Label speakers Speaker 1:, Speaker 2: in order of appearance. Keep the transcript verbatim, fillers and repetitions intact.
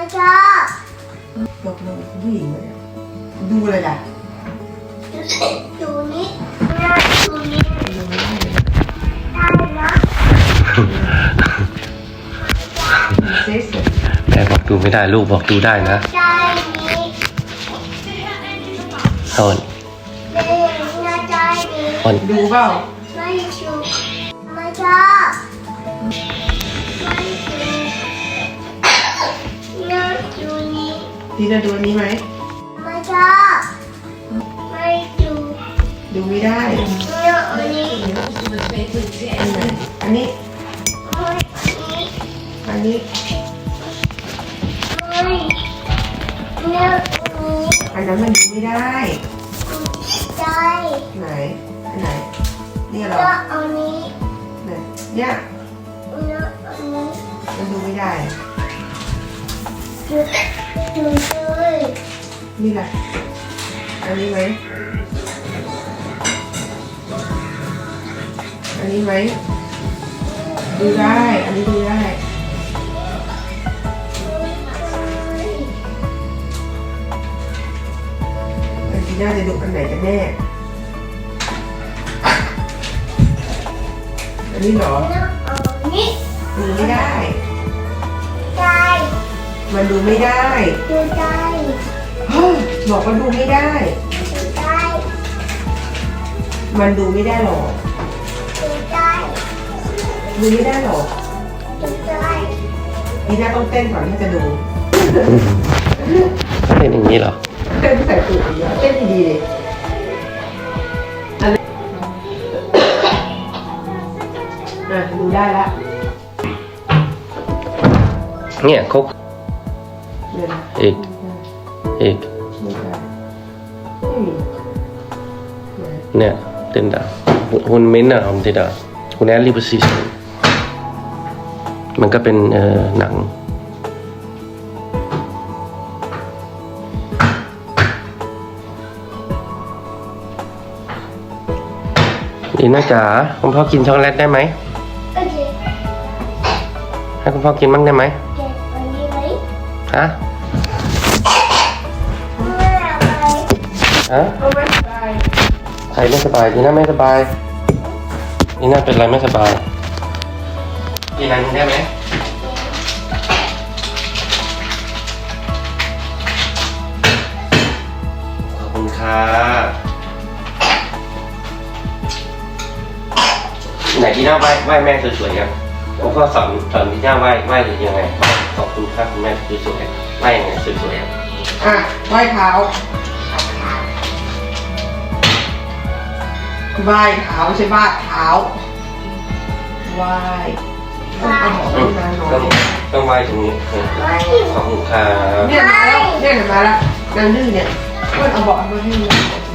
Speaker 1: ชอบ
Speaker 2: บอกน้องผู้หญิงเลยดูอะไรล่ะ
Speaker 1: ดูนี่น่าดูนี่
Speaker 2: ดูไม่ได้เลย
Speaker 1: ได้นะ
Speaker 2: เซ็กซ์
Speaker 3: แม่บอกดูไม่ได้ลูกบอกดูได้นะ
Speaker 1: ได้นี่
Speaker 3: ฮอน
Speaker 1: เด็กน่าได้นี่
Speaker 3: ฮอน
Speaker 2: ดูเปล่า
Speaker 1: ไม่ชูไม่ชอบไม่ชูน่าดูนี่
Speaker 2: ทีน่าดูอันนี้ไหม
Speaker 1: ไม่ชอบไม่ดู
Speaker 2: ดูไม่ได้
Speaker 1: น่าอันนี้
Speaker 2: อันไหนอันนี้
Speaker 1: ไม่อันนี้
Speaker 2: อันนี้
Speaker 1: ไม่น่าอันนี้
Speaker 2: อันนั้นมันดูไม่ได้
Speaker 1: ได้
Speaker 2: ไหนอันไหนนี่เหรอ
Speaker 1: น่าอันนี้
Speaker 2: ไหนเนี่ย
Speaker 1: น่าอันนี้
Speaker 2: มันดูไม่ได้
Speaker 1: ดูดูเลย
Speaker 2: นี่แหละอันนี้ไหมอันนี้ไหมดูได้ อันนี้ดูได้แต่ทีน่าจะดูอันไหนกันแน่อันนี้เหรอ
Speaker 1: น่าอันนี้
Speaker 2: ดูไม่ได้
Speaker 1: ได้
Speaker 2: มันดูไม่ได้
Speaker 1: ดูได้
Speaker 2: เฮ้ยบอกว่าดูไม่ได้
Speaker 1: ดูได้
Speaker 2: มันดูไม่ได้หรอก
Speaker 1: ดูได้
Speaker 2: ดูไม่ได้หรอก
Speaker 1: ดูได้
Speaker 2: ทีน่าต้องเต้นก่อนที่จะดู
Speaker 3: เป็นอย่างนี้เหรอ
Speaker 2: เต้นใส่ตูดอย่างเงี้ยเต้นดีๆเลยอะไรอ่ะดูได้ละ
Speaker 3: เนี่ยเขา
Speaker 2: เดี๋ยวนะ
Speaker 3: อีกอีก
Speaker 2: ไม่ได้ไม่มีไหน
Speaker 3: เนี่ยเต้นได้คุณมิ้นท์อะผมติดอะคุณแอลลี่ประสิทธิ์มันก็เป็นเอ่อหนังดีน่าจ๋าคุณพ่อกินช็อกโกแลตได้ไหม
Speaker 1: โอเค
Speaker 3: ให้คุณพ่อกินบ้างได้ไหม
Speaker 1: เก็บอันนี้ไว้
Speaker 3: ฮะ
Speaker 1: ไม่เอาไป
Speaker 3: ฮะ
Speaker 2: เอาไว้ไป
Speaker 3: ใครไม่สบายดีน่าไม่สบายดีน่าเป็นอะไรไม่สบายกินอะไรได้ไหมขอบคุณค่ะไหนดีน่าไหว้ไหว้แม่สวยๆกันผมก็สอนสอนดีน่าไหว้ไหว้หรือยังไงขอบคุณค่ะคุณแม่สวยๆไหว้ยังไงสวยๆอะ
Speaker 2: อ่ะไหว้เท้าไหว้เท้าไม่ใช่บ้าเท้าไหว้ต้องเอาหมอนมาหน่อ
Speaker 3: ต้อง
Speaker 2: ย
Speaker 3: ต้องไหว้ตรงนี้เออ
Speaker 1: ไม่
Speaker 3: ขอบคุณค่ะ
Speaker 2: เนี่ยมาแล้วเนี่ยเดี๋ยวมาแล้วนางดื้อเนี่ยเพื่อนเอาเบาะมาให้เลย